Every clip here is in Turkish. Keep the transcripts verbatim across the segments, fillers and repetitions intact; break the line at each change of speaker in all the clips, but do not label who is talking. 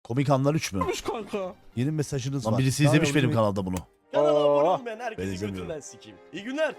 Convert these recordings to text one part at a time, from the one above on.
Komik Anlar üç mü?
Kanka.
Yeni mesajınız
Lan
var.
birisi
Tamam,
izlemiş benim
yavrucuğum.
kanalda bunu.
Kanala
Oo.
abone olun ben
Ben
herkesi
izlemiyorum.
götünden sikeyim. İyi günler.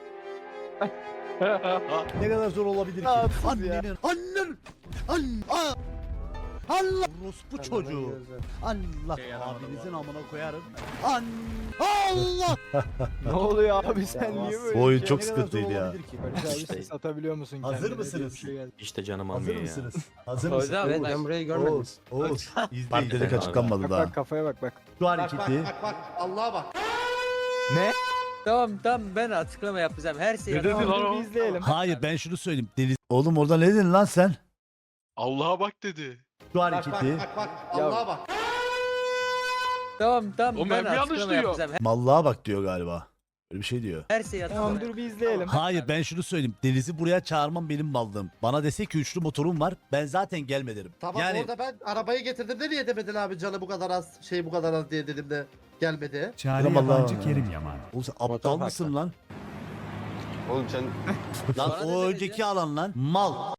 Ne kadar zor olabilir ki?
Rahatsız ya.
Annenin, annen, annen, aa! Allah orospu çocuğu. Allah abinizin amına koyarım. An Allah.
Ne oluyor abi sen niye böyle?
Bu oyun
bir
çok
Ne kadar zor
sıkıntıydı ya.
olabilir ki?
Barış abi ses atabiliyor musun
Hazır
kendine?
mısınız?
Bir şey geldi.
İşte canım
Hazır
almıyor ya.
mısınız? Hazır
Hocam
mısınız?
evet, ben burayı görmedim.
Oğuz, Oğuz. İzle,
Partilik
izle.
açıklanmadı
Bak
daha.
bak kafaya bak bak.
Şu hareketi.
Allah'a bak.
Ne?
Tamam tamam ben açıklama yapacağım. Her şeyi
Ne dedi
yapacağım.
lan
Dur
o?
bir izleyelim.
Hayır ben şunu söyleyeyim. Deniz. Oğlum orada ne dedin lan sen?
Allah'a bak dedi.
Şu
Bak
hareketi.
bak bak bak. Allah'a bak.
Tamam tamam
Oğlum,
ben
ben mi yanlış
açıklama
duyuyorum?
yapacağım.
Mallığa bak diyor galiba. Öyle bir şey diyor.
Her şeyi
Tamam
açıklama.
dur bir izleyelim.
Hayır ben şunu söyleyeyim. Deniz'i buraya çağırmam benim mallığım. Bana dese ki üçlü motorum var. Ben zaten gelme derim.
Tamam
yani
orada ben arabayı getirdim de niye demedin abi canı bu kadar az şey bu kadar az diye dedim de gelmedi.
Çare
Yaman
yabancı
lan.
Kerim Yaman.
oğlum sen aptal mısın lan?
Oğlum sen
Lan
Bana
o
ne
önceki
dedi?
alan lan. Mal.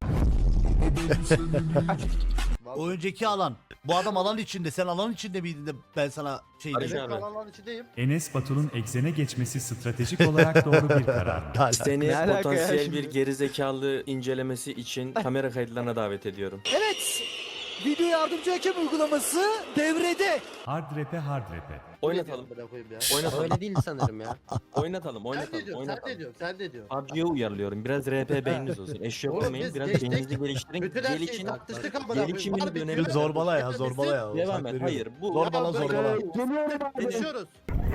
O önceki alan. Bu adam alan içinde. Sen alan içinde miydin de ben sana şey
Barış
dedim.
abi.
kanalların içindeyim.
Enes Batur'un egzene geçmesi stratejik olarak doğru bir karar mı?
Hala.
Seni
Ne alaka ya
potansiyel
şimdi?
bir gerizekalı incelemesi için kamera kayıtlarına davet ediyorum.
Evet. Video yardımcı hakem uygulaması devrede.
Hard rap'e hard rap'e.
Oynatalım.
Amına koyayım ya.
Oynatalım.
Öyle değil sanırım ya.
Oynatalım.
Sen ne
Oynatalım.
diyorsun? Sen ne
Oynatalım.
diyorsun? Sen ne diyorsun?
P U B G'ye uyarlıyorum. Biraz R P beyniniz olsun. Eşya
Oğlum
koymayın.
biz
Biraz
geçtik.
beyninizi geliştirin.
Bütün her şeyi
Gelişin.
tartıştık amına koyayım.
Gelişimin
Harbi
bir önemi
diyorum.
yok.
Zorbala ya,
Hepimiz-
zorbala ya.
Devam
Hak
et.
veriyorum.
Hayır. Bu
Zorbala
Ya,
zorbala.
Geçiyoruz.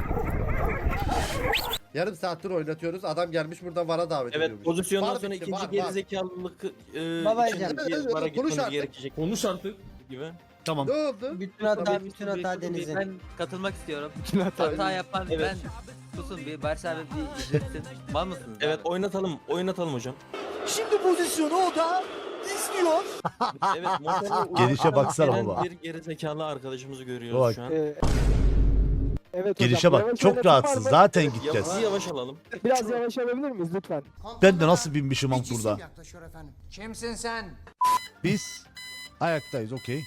Yarım saattir oynatıyoruz. Adam gelmiş buradan vara davet
Evet,
ediyormuş.
pozisyondan
Var
sonra
bitti,
ikinci
var, var.
gerizekalılık e,
Babacım.
için
Evet,
bir
evet,
bara
evet, konuş
gitmemiz
artık.
gerekecek.
Konuş artık.
Gibi.
Tamam.
Ne oldu?
Bütün hata
Tamam.
bütün hata Deniz'in. Ben katılmak istiyorum.
Bütün hata.
Hata yapan
Evet.
ben. Susun bir Barış abi bir izletsin. Mal mısınız?
Evet,
abi?
oynatalım. Oynatalım hocam.
Şimdi pozisyonu o da izliyor.
Evet, motorla
Gelişe
uğraşan
baksana
gelen
baba.
Bir gerizekalı arkadaşımızı görüyoruz
Bak.
şu an.
Ee, evet
Gelişe
hocam,
bak.
yavaş
Çok
oynatın var
rahatsız.
mı?
Zaten
Yavaş
gideceğiz.
yavaş alalım.
Biraz yavaş alabilir miyiz lütfen?
Ben de nasıl binmişim am burada.
yaklaşıyor efendim. Kimsin sen?
Biz ayaktayız okey.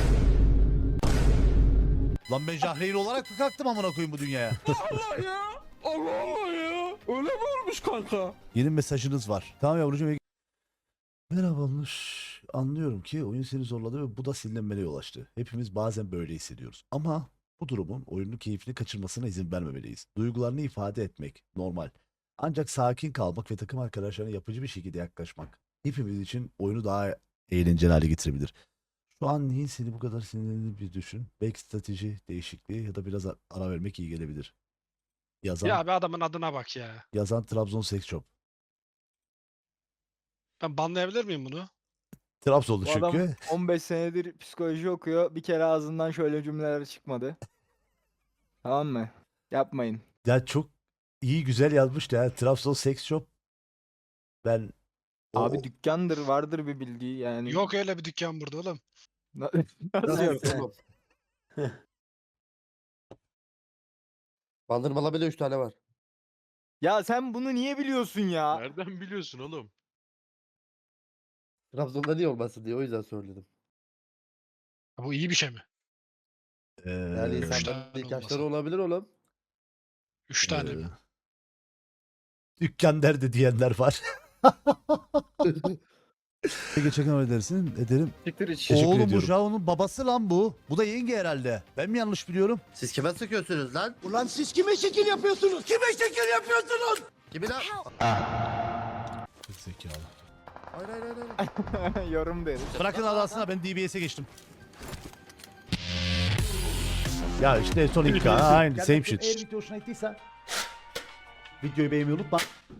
Lan ben Jahreyn olarak mı kalktım amına koyayım bu dünyaya?
Allah ya. Allah Allah ya. Öyle mi olmuş kanka?
Yeni mesajınız var. Tamam yavrucuğum. Merhabalar. Anlıyorum ki oyun seni zorladı ve bu da sinirlenmene yol açtı. Hepimiz bazen böyle hissediyoruz. Ama bu durumun oyunun keyfini kaçırmasına izin vermemeliyiz. Duygularını ifade etmek normal. Ancak sakin kalmak ve takım arkadaşlarına yapıcı bir şekilde yaklaşmak hepimiz için oyunu daha eğlenceli hale getirebilir. Şu an neyin seni bu kadar sinirlendiğini bir düşün. Belki strateji değişikliği ya da biraz ara vermek iyi gelebilir. Yazan,
Ya bir adamın adına bak ya.
yazan Trabzon Sex Shop.
Ben banlayabilir miyim bunu?
Trabzonlu
Bu adam
çünkü.
on beş senedir psikoloji okuyor. Bir kere ağzından şöyle cümleler çıkmadı. Tamam mı? Yapmayın.
Ya çok iyi güzel yazmış ya. Trabzon Sex Shop. Ben o-
Abi dükkandır vardır bir bildiği yani.
Yok öyle bir dükkan burada oğlum.
Na- Nasıl yok?
Tamam. Bandırmalı bile üç tane var.
Ya sen bunu niye biliyorsun ya?
Nereden biliyorsun oğlum?
Trabzon'da niye olmasın diye o yüzden söyledim.
Bu iyi bir şey mi?
Ee,
Yani
Üç
insanların
tane
ihtiyaçları
olmasa.
olabilir oğlum.
Üç tane
e,
mi?
dükkan derdi diyenler var. Geçen edersin ederim.
Siktir iç.
Oğlum bu
ediyorum.
Jao'nun babası lan bu. Bu da yenge herhalde. Ben mi yanlış biliyorum?
Siz kime sıkıyorsunuz lan?
Ulan siz kime şekil yapıyorsunuz? Kime şekil yapıyorsunuz?
Kimi lan?
Zekalı.
Hayır hayır hayır. hayır.
Yorum deriz.
Bırakın adasına ben D B S'e geçtim. Ya işte son iki aynı same shit. Eğer video hoşuna gittiyse videoyu beğenmeyi unutma.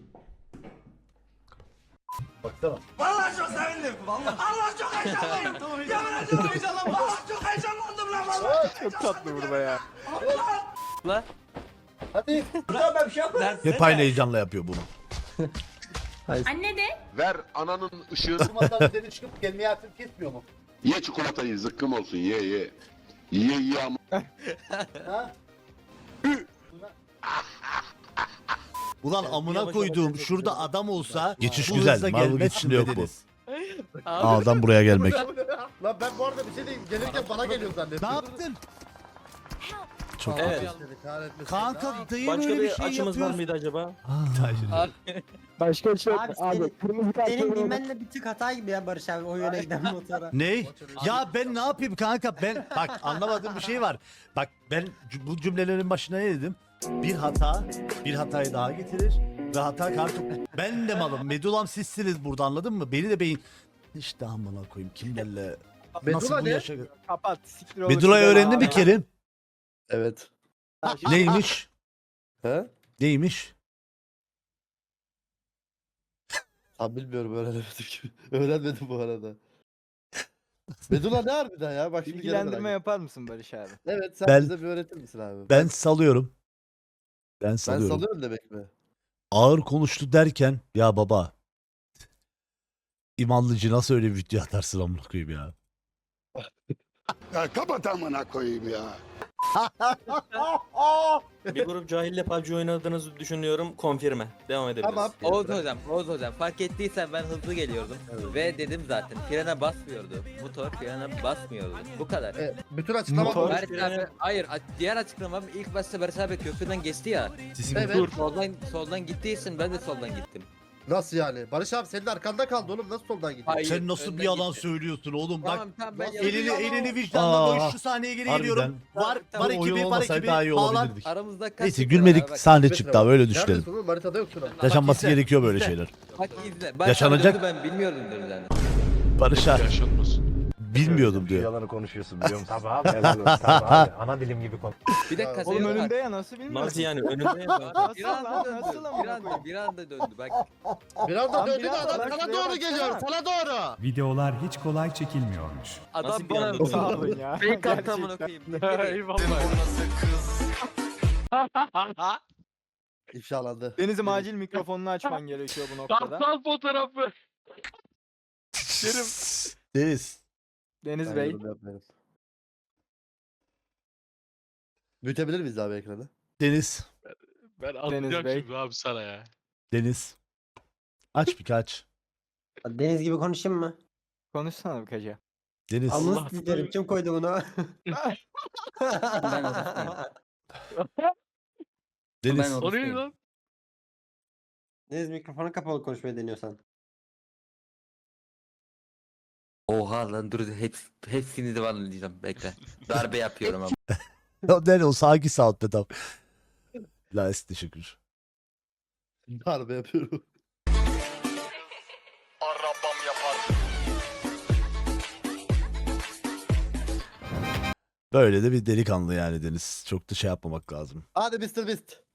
Baksana.
Vallahi çok sevindim. Vallahi. Allah çok heyecanlıyım. Yemin ediyorum heyecanlandım. Vallahi çok heyecanlandım lan vallahi.
Çok tatlı burada ya.
La.
Hadi.
Burada ben bir şey yapmadım.
Hep aynı heyecanla yapıyor bunu.
Anne de.
Ver ananın ışığı.
Durmadan üzerine çıkıp gelmeye artık kesmiyor mu?
Ye çikolatayı zıkkım olsun ye ye. Ye ye ama.
Ulan
Evet,
amına
yavaş
koyduğum
yavaş
şurada
yapıyoruz.
adam olsa
Geçiş
bu
güzel,
hızla
Marvel
gelmez
geçişinde yok bu.
dediniz. A'dan buraya gelmek.
Lan ben bu arada bir şey diyeyim. Gelirken bana geliyor zannettim.
Ne yaptın? Çok
Evet.
kötü.
Seni kahretmesin.
Kanka dayı
Başka
öyle
bir,
bir şey
açımız var
yapıyor.
mıydı acaba?
Ah,
Başka bir şey yok.
Abi
Abi,
senin-
kırmızı kart
Senin
görüyorum.
bilmenle bir tık hata gibi ya Barış abi o yöne giden motora.
Ney? Ya ben ne yapayım kanka ben bak anlamadığım bir şey var. Bak ben c- bu cümlelerin başına ne dedim? Bir hata bir hatayı daha getirir ve hata kartı. Ben de malım. Medulam sizsiniz burada anladın mı? Beni de beyin işte amına koyayım kimlerle nasıl
Medula
bu
ne?
yaşa.
Kapat. Siktir olur.
Medula'yı
Güzel
öğrendi mi
abi.
Kerim?
Evet.
Neymiş?
He?
Neymiş?
Abi bilmiyorum öğrenemedim ki. Öğrenmedim bu arada. Medula ne harbiden ya? Bak şimdi gene
Bilgilendirme
merak
yapar mısın Barış abi?
ettim. Evet sen
Ben-
bize bir öğretir misin abi?
Ben salıyorum. Ben
ben
salıyorum.
salıyorum demek mi?
Ağır konuştu derken ya baba İmanlıcı nasıl öyle bir video atarsın amına koyayım ya.
Ya kapat amına koyayım ya.
Bir grup cahille P U B G oynadığınızı düşünüyorum. Konfirme. Devam edebiliriz.
Tamam.
Oğuz hocam, Oğuz hocam fark ettiysen ben hızlı geliyordum ve dedim zaten frene basmıyordu. Motor frene basmıyordu. Bu kadar.
E, bütün açıklama
Motor-
bu.
Barış abi, hayır a- diğer açıklamam ilk başta Barış abi köprüden geçti ya.
Evet.
Soldan soldan gittiği için ben de soldan gittim.
Nasıl yani? Barış abi senin arkanda kaldı oğlum. Nasıl soldan gidiyor?
Hayır,
Sen nasıl bir
önden
yalan
gitti.
söylüyorsun oğlum bak.
Tamam tamam ben
Nasıl
yalan-
Elini
yalan?
elini vicdanla koy
Aa,
şu sahneye geri
harbiden.
geliyorum. Var
Tamam,
var
tamam.
ekibi var ekibi
daha iyi
bağlan.
olabilirdik.
Aramızda kaç
Neyse
metre var
gülmedik
abi? Bak,
sahne
Metre
çıktı
var.
abi öyle düşünelim.
Neredesin oğlum? Haritada yok şurada.
Yaşanması
izle,
gerekiyor böyle
izle.
şeyler.
Bak izle. Barış
Yaşanacak-
abi döndü, ben bilmiyordum döndüğünü.
Barış'a bilmiyordum diyor.
Yalanı konuşuyorsun biliyor musun? Tabii abi. Tabii abi. Ana dilim gibi konuş.
Bir dakika
Oğlum
senin-
önünde ya nasıl bilmiyorsun?
Nasıl yani önünde ya?
Bir
Nasıl
anda
lan,
döndü.
nasıl amına
Bir anda,
koyayım?
bir anda döndü bak.
Bir anda
Lan
döndü de
biraz
adam
bak,
sana
şuraya
doğru
baksana.
geliyor. Sana doğru.
Videolar hiç kolay çekilmiyormuş.
Adam
Nasıl bir
bana
anda
Sağ
döndü?
olun ya.
fake attı amına
Gerçekten.
koyayım.
Eyvallah.
İfşalandı.
Deniz'im acil mikrofonunu açman gerekiyor bu noktada.
Kartal fotoğrafı.
Deniz.
Deniz
Ben
Bey.
yorum yapmıyorum. Büyütebilir miyiz abi ekranı?
Deniz.
Ben
Deniz
atacağım
Bey.
şimdi abi sana ya.
Deniz. Aç birkaç.
Deniz gibi konuşayım mı?
Konuşsana bir kaca.
Deniz.
Allah
Sizlerim kim koydu bunu?
Deniz.
O ne lan?
Deniz mikrofonu kapalı konuşmayı deniyorsan. Oha lan dur hep, hepsini de bana diyeceğim bekle. Darbe yapıyorum ama.
O ne o sakin saat be tam. La teşekkür.
Darbe yapıyorum.
Böyle de bir delikanlı yani Deniz. Çok da şey yapmamak lazım.
Hadi mister Beast.